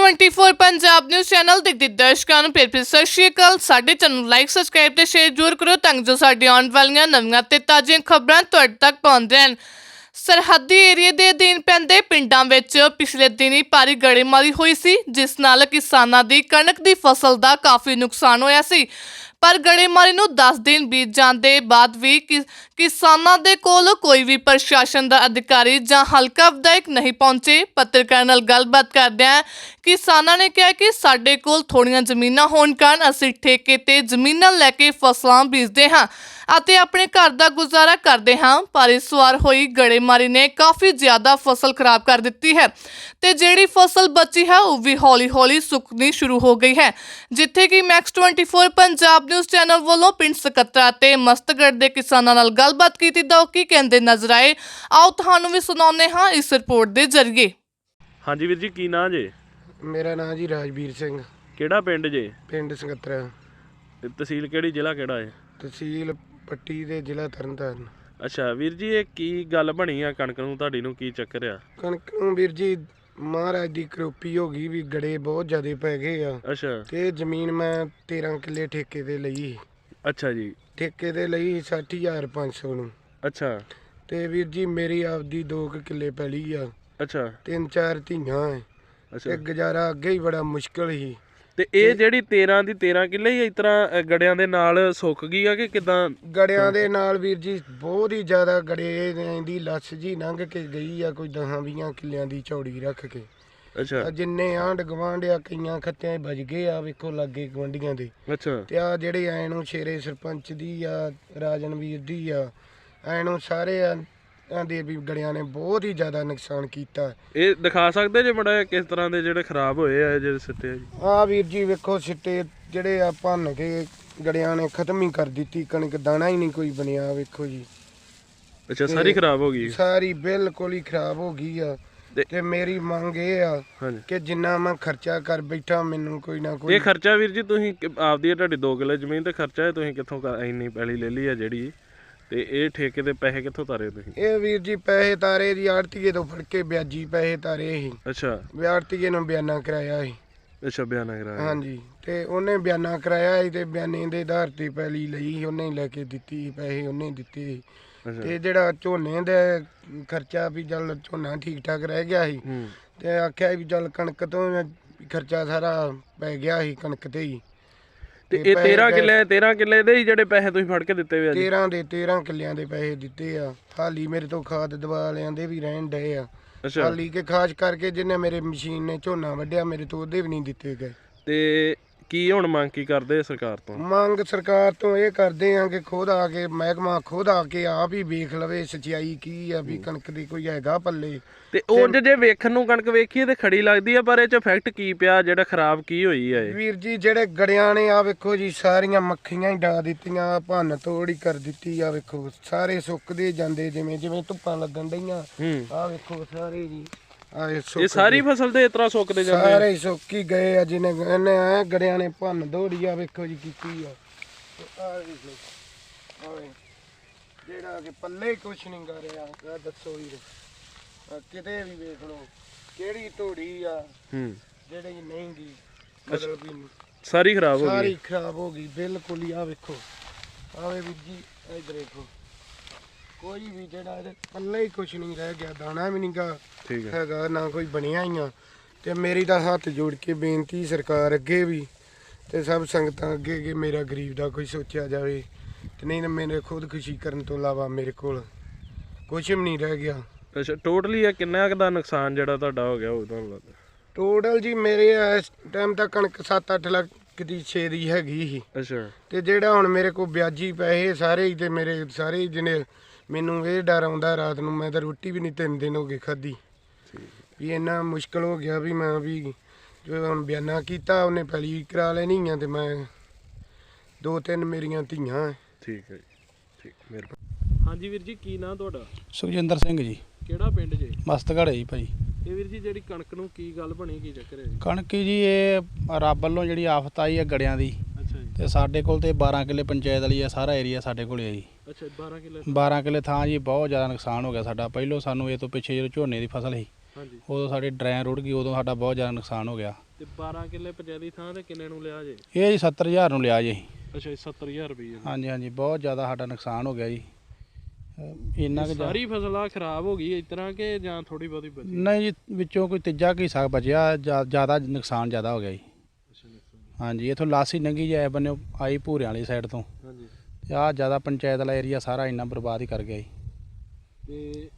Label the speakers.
Speaker 1: Next 24 Punjab news channel ਦੇ ਦਰਸ਼ਕਾਂ ਨੂੰ ਫਿਰ ਸਤਿ ਸ਼੍ਰੀ ਅਕਾਲ। ਸਾਡੇ ਚੈਨਲ ਨੂੰ ਲਾਈਕ ਸਬਸਕ੍ਰਾਈਬ ਤੇ ਸ਼ੇਅਰ ਜ਼ਰੂਰ ਕਰੋ ਤਾਂ ਜੋ ਸਾਡੀ ਆਉਣ ਵਾਲੀਆਂ ਨਵੀਆਂ ਤੇ ਤਾਜ਼ੀਆਂ ਖਬਰਾਂ ਤੁਹਾਡੇ ਤੱਕ ਪਹੁੰਚਦੀਆਂ ਰਹਿਣ। ਸਰਹੱਦੀ ਏਰੀਏ ਦੇ ਅਧੀਨ ਪੈਂਦੇ ਪਿੰਡਾਂ ਵਿੱਚ ਪਿਛਲੇ ਦਿਨੀ ਭਾਰੀ ਗੜੇਮਾਰੀ ਹੋਈ ਸੀ, ਜਿਸ ਨਾਲ ਕਿਸਾਨਾਂ ਦੀ ਕਣਕ ਦੀ ਫਸਲ ਦਾ ਕਾਫੀ ਨੁਕਸਾਨ ਹੋਇਆ ਸੀ। पर गड़ेमारी ਨੂੰ 10 दिन बीत जाने ਦੇ ਬਾਅਦ ਵੀ ਕਿਸਾਨਾਂ ਦੇ ਕੋਲ ਕੋਈ ਵੀ ਪ੍ਰਸ਼ਾਸਨ ਦਾ ਅਧਿਕਾਰੀ ਜਾਂ ਹਲਕਾ ਵਿਧਾਇਕ ਨਹੀਂ ਪਹੁੰਚੇ। ਪੱਤਰਕਾਰਾਂ ਨਾਲ ਗੱਲਬਾਤ ਕਰਦਿਆਂ ਕਿਸਾਨਾਂ ਨੇ ਕਿਹਾ ਕਿ ਸਾਡੇ ਕੋਲ ਥੋੜੀਆਂ ਜ਼ਮੀਨਾਂ ਹੋਣ ਕਾਰਨ ਅਸੀਂ ਠੇਕੇ ਤੇ ਜ਼ਮੀਨਾਂ ਲੈ ਕੇ ਫਸਲਾਂ ਬੀਜਦੇ ਹਾਂ ਅਤੇ ਆਪਣੇ ਘਰ ਦਾ ਗੁਜ਼ਾਰਾ ਕਰਦੇ ਹਾਂ, ਪਰ ਇਸ ਵਾਰ ਹੋਈ ਗੜੇਮਾਰੀ ਨੇ ਕਾਫੀ ਜ਼ਿਆਦਾ ਫਸਲ ਖਰਾਬ ਕਰ ਦਿੱਤੀ ਹੈ ਤੇ ਜਿਹੜੀ ਫਸਲ ਬਚੀ ਹੈ ਉਹ ਵੀ ਹੌਲੀ-ਹੌਲੀ ਸੁੱਕਣੀ ਸ਼ੁਰੂ ਹੋ ਗਈ ਹੈ। ਜਿੱਥੇ ਕਿ Next 24 पंजाब न्यूज़ चैनल वालों पिंड ਸਕੱਤਰਾ ਤੇ ਮਸਤਗੜ੍ਹ ਦੇ ਕਿਸਾਨਾਂ ਨਾਲ ਗੱਲਬਾਤ ਕੀਤੀ ਤਾਂ ਉਹ ਕੀ ਕਹਿੰਦੇ ਨਜ਼ਰ ਆਏ, ਆਓ ਤੁਹਾਨੂੰ ਵੀ ਸੁਣਾਉਂਦੇ ਹਾਂ ਇਸ ਰਿਪੋਰਟ ਦੇ ਜ਼ਰੀਏ।
Speaker 2: ਹਾਂਜੀ ਵੀਰ ਜੀ, ਕੀ ਨਾਂ ਜੇ?
Speaker 3: ਮੇਰਾ ਨਾਮ ਜੀ ਰਾਜਵੀਰ ਸਿੰਘ।
Speaker 2: ਕਿਹੜਾ ਪਿੰਡ ਜੇ?
Speaker 3: ਪਿੰਡ ਸਕੱਤਰਾ।
Speaker 2: ਤਹਿਸੀਲ ਕਿਹੜੀ, ਜ਼ਿਲ੍ਹਾ ਕਿਹੜਾ ਹੈ?
Speaker 3: ਤਹਿਸੀਲ ਪੱਟੀ ਦੇ ਜ਼ਿਲ੍ਹਾ ਤਰਨਤਾਰਨ।
Speaker 2: ਅੱਛਾ ਵੀਰ ਜੀ, ਇਹ ਕੀ ਗੱਲ ਬਣੀ ਆ ਕਣਕ ਨੂੰ ਤੁਹਾਡੀ ਨੂੰ, ਕੀ ਚੱਕਰ ਆ?
Speaker 3: ਕਣਕ ਨੂੰ ਵੀਰ ਜੀ ਮਹਾਰਾਜ ਦੀ ਕਰੋਪੀ ਹੋ ਗਈ ਵੀ ਗੜੇ ਬਹੁਤ ਜ਼ਿਆਦਾ ਪੈ ਗਏ ਆ।
Speaker 2: ਅੱਛਾ।
Speaker 3: ਤੇ ਜ਼ਮੀਨ ਮੈਂ 13 ਕਿੱਲੇ ਠੇਕੇ ਤੇ ਲਈ।
Speaker 2: ਅੱਛਾ ਜੀ।
Speaker 3: ਠੇਕੇ ਤੇ ਲਈ 60,500 ਨੂੰ। ਅੱਛਾ। ਤੇ ਵੀਰ ਜੀ ਮੇਰੀ ਆਪਦੀ 2 ਕਿੱਲੇ ਪੈਲੀ ਆ। ਅੱਛਾ। 3-4 ਧੀਆਂ ਹੈ। ਅੱਛਾ। ਤੇ ਗੁਜ਼ਾਰਾ ਅੱਗੇ ਹੀ ਬੜਾ ਮੁਸ਼ਕਲ ਸੀ। ਤੇ ਇਹ ਜਿਹੜੀ 13 ਦੀ 13 ਕਿੱਲੇ ਹੀ ਇਸ ਤਰ੍ਹਾਂ ਗੜਿਆਂ ਦੇ ਨਾਲ ਸੁੱਕ ਗਈ ਆ ਕਿ ਕਿਦਾਂ? ਗੜਿਆਂ ਦੇ ਨਾਲ ਵੀਰ ਜੀ ਬਹੁਤ ਹੀ ਜ਼ਿਆਦਾ ਗੜੇ ਦੀ ਲੱਸ ਜੀ ਲੰਘ ਕੇ ਗਈ ਆ, ਕੋਈ 10-20 ਕਿੱਲਿਆਂ ਦੀ ਚੌੜੀ ਰੱਖ ਕੇ। ਅੱਛਾ। ਜਿੰਨੇ ਆਂਢ ਗੁਆਂਢ ਆ ਕਈਆਂ ਖੱਤਿਆਂ ਵੱਜ ਗਏ ਆ, ਵੇਖੋ ਲਾਗੇ ਗੁਆਂਢੀਆਂ ਦੇ। ਅੱਛਾ। ਤੇ ਆ ਜਿਹੜੇ ਐ ਨੂੰ ਸ਼ੇਰੇ ਸਰਪੰਚ ਦੀ ਆ, ਰਾਜਨਵੀਰ ਦੀ ਆ, ਐ ਨੂੰ ਸਾਰੇ ਦੇ ਵੀ ਗੜਿਆਂ ਨੇ ਬਹੁਤ ਹੀ ਜ਼ਿਆਦਾ ਨੁਕਸਾਨ ਕੀਤਾ। ਇਹ ਦਿਖਾ ਸਕਦੇ ਜੇ ਬੜਾ ਕਿਸ ਤਰ੍ਹਾਂ ਦੇ ਜਿਹੜੇ ਖਰਾਬ ਹੋਏ ਆ ਜਿਹੜੇ ਸਿੱਟੇ ਆ? ਆ ਵੀਰ ਜੀ ਵੇਖੋ ਸਿੱਟੇ ਜਿਹੜੇ ਆ ਭੰਨ ਕੇ ਗੜਿਆਂ ਨੇ ਖਤਮ ਹੀ ਕਰ ਦਿੱਤੀ, ਕਣਕ ਦਾਣਾ ਹੀ ਨਹੀਂ ਕੋਈ ਬਣਿਆ, ਵੇਖੋ ਜੀ। ਅੱਛਾ, ਸਾਰੀ ਖਰਾਬ ਹੋ ਗਈ? ਸਾਰੀ ਬਿਲਕੁਲ ਹੀ ਖਰਾਬ ਹੋ ਗਈ ਆ। ਤੇ ਮੇਰੀ ਮੰਗ ਇਹ ਆ ਕਿ ਜਿੰਨਾ ਮੈਂ ਖਰਚਾ ਕਰ ਬੈਠਾ ਮੈਨੂੰ ਕੋਈ ਨਾ ਕੋਈ। ਇਹ ਖਰਚਾ ਵੀਰ ਜੀ ਤੁਸੀਂ ਆਪਦੀ ਤੁਹਾਡੀ 2 ਕਿੱਲੇ ਜ਼ਮੀਨ ਤੇ ਖਰਚਾ ਹੈ, ਤੁਸੀਂ ਕਿੱਥੋਂ ਇੰਨੀ ਪੈਲੀ ਲੈ ਲਈ ਆ ਜਿਹੜੀ, ਤੇ ਇਹ ਠੇਕੇ ਦੇ ਪੈਸੇ ਕਿੱਥੋਂ ਤਾਰੇ ਤੁਸੀਂ? ਇਹ ਵੀਰ ਜੀ ਪੈਸੇ ਤਾਰੇ ਦੀ ਆੜਤੀਏ ਤੋਂ ਫੜ ਕੇ ਵਿਆਜੀ ਪੈਸੇ ਤਾਰੇ ਸੀ। ਅੱਛਾ। ਆੜਤੀਏ ਨੂੰ ਬਿਆਨਾ ਕਰਾਇਆ ਸੀ। ਅੱਛਾ, ਬਿਆਨਾ ਕਰਾਇਆ? ਹਾਂਜੀ। ਤੇ ਉਹਨੇ ਬਿਆਨਾ ਕਰਾਇਆ ਸੀ ਤੇ ਬਿਆਨੇ ਦੇ ਆਧਾਰ ਤੇ ਪੈਲੀ ਲਈ, ਉਹਨੇ ਲੈ ਕੇ ਦਿੱਤੀ, ਪੈਸੇ ਉਹਨੇ ਦਿੱਤੇ। ਤੇ ਜਿਹੜਾ ਝੋਨੇ ਦਾ ਖਰਚਾ ਵੀ ਚੱਲ ਝੋਨਾ ਠੀਕ ਠਾਕ ਰਹਿ ਗਿਆ ਸੀ ਤੇ ਆਖਿਆ ਵੀ ਚੱਲ ਕਣਕ ਤੋਂ ਖਰਚਾ ਸਾਰਾ ਪੈ ਗਿਆ ਸੀ ਕਣਕ ਤੇ ਹੀ। ਤੇ ਇਹ 13 ਕਿੱਲੇ ਦੇ ਹੀ ਜਿਹੜੇ ਪੈਸੇ ਤੁਸੀਂ ਫੜ ਕੇ ਦਿੱਤੇ ਵੇ? 13 ਕਿੱਲਿਆਂ ਦੇ ਪੈਸੇ ਦਿੱਤੇ ਆ। ਹਾਲੀ ਮੇਰੇ ਤੋਂ ਖਾਦ ਦਵਾ ਵਾਲਿਆਂ ਦੇ ਵੀ ਰਹਿਣ ਡਏ ਆ। ਹਾਲੀ ਕੇ ਖਾਸ ਕਰਕੇ ਜਿਹਨੇ ਮੇਰੇ ਮਸ਼ੀਨ ਨੇ ਝੋਨਾ ਵੱਢਿਆ ਮੇਰੇ ਤੋਂ ਉਹਦੇ ਵੀ ਨਹੀਂ ਦਿੱਤੇ ਗਏ। ਤੇ ਕੀ ਹੁਣ ਮੰਗ ਕੀ ਕਰਦੇ ਸਰਕਾਰ ਤੋਂ? ਮੰਗ ਸਰਕਾਰ ਤੋਂ ਇਹ ਕਰਦੇ ਆ ਕਿ ਖੁਦ ਆ ਕੇ ਮਹਿਕਮਾ ਖੁਦ ਆ ਕੇ ਆਪ ਹੀ ਵੇਖ ਲਵੇ ਸੱਚਾਈ ਕੀ ਆ, ਵੀ ਕਣਕ ਦੀ ਕੋਈ ਹੈਗਾ ਪੱਲੇ। ਤੇ ਉਹ ਜੇ ਵੇਖਣ ਨੂੰ ਕਣਕ ਵੇਖੀਏ ਤੇ ਖੜੀ ਲੱਗਦੀ ਆ, ਪਰ ਇਹ ਚ ਇਫੈਕਟ ਕੀ ਪਿਆ, ਜਿਹੜਾ ਖਰਾਬ ਕੀ ਹੋਈ ਆ? ਵੀਰ ਜੀ ਜਿਹੜੇ ਗੜਿਆਂ ਨੇ ਆ ਵੇਖੋ ਜੀ ਸਾਰੀਆਂ ਮੱਖੀਆਂ ਹੀ ਡਾ ਦਿੱਤੀਆਂ, ਭੰਨ ਤੋੜ ਹੀ ਕਰ ਦਿੱਤੀ ਆ। ਵੇਖੋ ਸਾਰੇ ਸੁੱਕਦੇ ਜਾਂਦੇ ਜਿਵੇਂ ਜਿਵੇਂ ਧੁੱਪਾਂ ਲੱਗਣ ਡਈਆਂ। ਆ ਵੇਖੋ ਸਾਰੇ ਜੀ ਇਹ ਸਾਰੀ ਫਸਲ ਤੇ ਇਸ ਤਰ੍ਹਾਂ ਸੁੱਕਦੇ ਜਾਂਦੇ, ਸਾਰੇ ਸੁੱਕ ਹੀ ਗਏ ਆ। ਜਿਹਨੇ ਐ ਗੜਿਆਂ ਨੇ ਭੰਨ ਦੌੜੀ ਆ ਵੇਖੋ ਜੀ ਕੀਤੀ ਆ। ਜਿਹੜਾ ਕਿ ਪੱਲੇ ਕੁਛ ਨਹੀਂ ਕਰ ਰਿਹਾ, ਦੱਸੋ ਜੀ ਕਿਤੇ ਵੀ ਵੇਖ ਲਓ ਕਿਹੜੀ ਧੋੜੀ ਆ ਜਿਹੜੀ ਨਹੀਂ ਗੀ, ਮਤਲਬ ਵੀ ਸਾਰੀ ਖਰਾਬ ਹੋ ਗਈ, ਸਾਰੀ ਖਰਾਬ ਹੋ ਗਈ ਬਿਲਕੁਲ ਹੀ। ਆ ਵੇਖੋ ਆਵੇ ਵੀਰ ਜੀ ਇੱਧਰ ਵੇਖੋ, ਕੋਈ ਵੀ ਜਿਹੜਾ ਇਹਦੇ ਪੱਲੇ ਹੀ ਕੁਛ ਨਹੀਂ ਰਹਿ ਗਿਆ, ਦਾਣਾ ਵੀ ਨਹੀਂਗਾ ਹੈਗਾ, ਨਾ ਕੋਈ ਬਣਿਆ ਹੀ ਆ। ਤੇ ਮੇਰੀ ਤਾਂ ਹੱਥ ਜੋੜ ਕੇ ਬੇਨਤੀ ਸਰਕਾਰ ਅੱਗੇ ਵੀ ਤੇ ਸਭ ਸੰਗਤਾਂ ਅੱਗੇ ਕਿ ਮੇਰਾ ਗਰੀਬ ਦਾ ਕੋਈ ਸੋਚਿਆ ਜਾਵੇ। ਤੇ ਨਹੀਂ ਤਾਂ ਮੇਰੇ ਖੁਦਕੁਸ਼ੀ ਕਰਨ ਤੋਂ ਇਲਾਵਾ ਮੇਰੇ ਕੋਲ ਕੁਛ ਵੀ ਨਹੀਂ ਰਹਿ ਗਿਆ। ਅੱਛਾ, ਟੋਟਲੀ ਇਹ ਕਿੰਨਾ ਕੁ ਦਾ ਨੁਕਸਾਨ ਜਿਹੜਾ ਤੁਹਾਡਾ ਹੋ ਗਿਆ ਉਹ ਤੁਹਾਨੂੰ ਲੱਗਦਾ? ਟੋਟਲ ਜੀ ਮੇਰੇ ਇਸ ਟਾਈਮ ਤਾਂ ਕਣਕ 7-8 ਲੱਖ ਦੀ 6 ਦੀ ਹੈਗੀ ਸੀ। ਅੱਛਾ। ਤੇ ਜਿਹੜਾ ਹੁਣ ਮੇਰੇ ਕੋਲ ਵਿਆਜੀ ਪੈਸੇ ਸਾਰੇ ਹੀ ਤੇ ਮੇਰੇ ਸਾਰੇ ਜਿਹਨੇ ਮੈਨੂੰ ਇਹ ਡਰ ਆਉਂਦਾ ਰਾਤ ਨੂੰ, ਮੈਂ ਤਾਂ ਰੋਟੀ ਵੀ ਨਹੀਂ 3 ਦਿਨ ਹੋ ਗਏ ਖਾਧੀ, ਵੀ ਇੰਨਾ ਮੁਸ਼ਕਿਲ ਹੋ ਗਿਆ ਵੀ ਮੈਂ ਵੀ ਜੋ ਹੁਣ ਬਿਆਨਾ ਕੀਤਾ ਉਹਨੇ ਪੈਲੀ ਕਰਾ ਲੈਣੀ ਆ ਤੇ ਮੈਂ 2-3 ਮੇਰੀਆਂ ਧੀਆਂ। ਠੀਕ ਹੈ ਜੀ, ਠੀਕ, ਮਿਹਰਬਾਨੀ। ਹਾਂਜੀ ਵੀਰ ਜੀ, ਕੀ ਨਾਂ ਤੁਹਾਡਾ?
Speaker 4: ਸੁਖਜਿੰਦਰ ਸਿੰਘ ਜੀ।
Speaker 2: ਕਿਹੜਾ ਪਿੰਡ ਜੇ?
Speaker 4: ਮਸਤਗੜ੍ਹ ਜੀ ਭਾਈ।
Speaker 2: ਇਹ ਵੀਰ ਜੀ ਜਿਹੜੀ ਕਣਕ ਨੂੰ ਕੀ ਗੱਲ ਬਣੀ, ਕੀ ਚੱਕਰ ਹੈ?
Speaker 4: ਕਣਕ ਜੀ ਇਹ ਰੱਬ ਵੱਲੋਂ ਜਿਹੜੀ ਆਫਤ ਆਈ ਹੈ ਗੜਿਆਂ ਦੀ। ਅੱਛਾ ਜੀ। ਤੇ ਸਾਡੇ ਕੋਲ ਤੇ 12 ਕਿੱਲੇ ਪੰਚਾਇਤ ਵਾਲੀ ਆ, ਸਾਰਾ ਏਰੀਆ ਸਾਡੇ ਕੋਲ ਹੈ ਜੀ। ਅੱਛਾ, 12 ਕਿੱਲੇ ਥਾਂ ਜੀ ਬਹੁਤ ਜ਼ਿਆਦਾ ਨੁਕਸਾਨ ਹੋ ਗਿਆ ਸਾਡਾ। ਪਹਿਲੋਂ ਸਾਨੂੰ ਇਹ ਤੋਂ ਪਿੱਛੇ ਜਦੋਂ ਝੋਨੇ ਦੀ ਫਸਲ ਸੀ
Speaker 2: ਹਾਂਜੀ
Speaker 4: ਉਦੋਂ ਸਾਡੀ ਡਰੈਨ ਰੁੜ ਗਈ, ਉਦੋਂ ਸਾਡਾ ਬਹੁਤ ਜ਼ਿਆਦਾ ਨੁਕਸਾਨ ਹੋ ਗਿਆ।
Speaker 2: ਤੇ 12 ਕਿੱਲੇ ਪੰਚਾਇਤ ਦੀ ਥਾਂ ਤੇ ਕਿੰਨੇ ਨੂੰ ਲਿਆ ਜੇ?
Speaker 4: ਇਹ ਜੀ 70,000 ਨੂੰ ਲਿਆ ਜੀ ਅਸੀਂ।
Speaker 2: ਅੱਛਾ ਜੀ 70000 ਰੁਪਏ।
Speaker 4: ਹਾਂਜੀ ਹਾਂਜੀ, ਬਹੁਤ ਜ਼ਿਆਦਾ ਸਾਡਾ ਨੁਕਸਾਨ ਹੋ ਗਿਆ ਜੀ। ਇੰਨਾ ਕੁ
Speaker 2: ਸਾਰੀ ਫਸਲ ਆ ਖਰਾਬ ਹੋ ਗਈ ਇਸ ਤਰ੍ਹਾਂ ਕਿ ਜਾਂ ਥੋੜੀ ਬਹੁਤੀ ਬਚੀ?
Speaker 4: ਨਹੀਂ ਜੀ, ਵਿੱਚੋਂ ਕੋਈ ਤੀਜਾ ਕੀ ਹਿੱਸਾ ਬਚਿਆ, ਜ਼ਿਆਦਾ ਨੁਕਸਾਨ ਜ਼ਿਆਦਾ ਹੋ ਗਿਆ ਜੀ।
Speaker 2: ਅੱਛਾ
Speaker 4: ਹਾਂਜੀ, ਇੱਥੋਂ ਲਾਸੀ ਨੰਗੀ ਜਾਏ ਬੰਨੇ ਆਈ ਭੂਰਿਆਂ ਵਾਲੀ ਸਾਈਡ ਤੋਂ,
Speaker 2: ਹਾਂਜੀ।
Speaker 4: ਤੇ ਆਹ ਜ਼ਿਆਦਾ ਪੰਚਾਇਤ ਵਾਲਾ ਏਰੀਆ ਸਾਰਾ ਇੰਨਾ ਬਰਬਾਦ ਹੀ ਕਰ ਗਿਆ ਜੀ।
Speaker 2: ਤੇ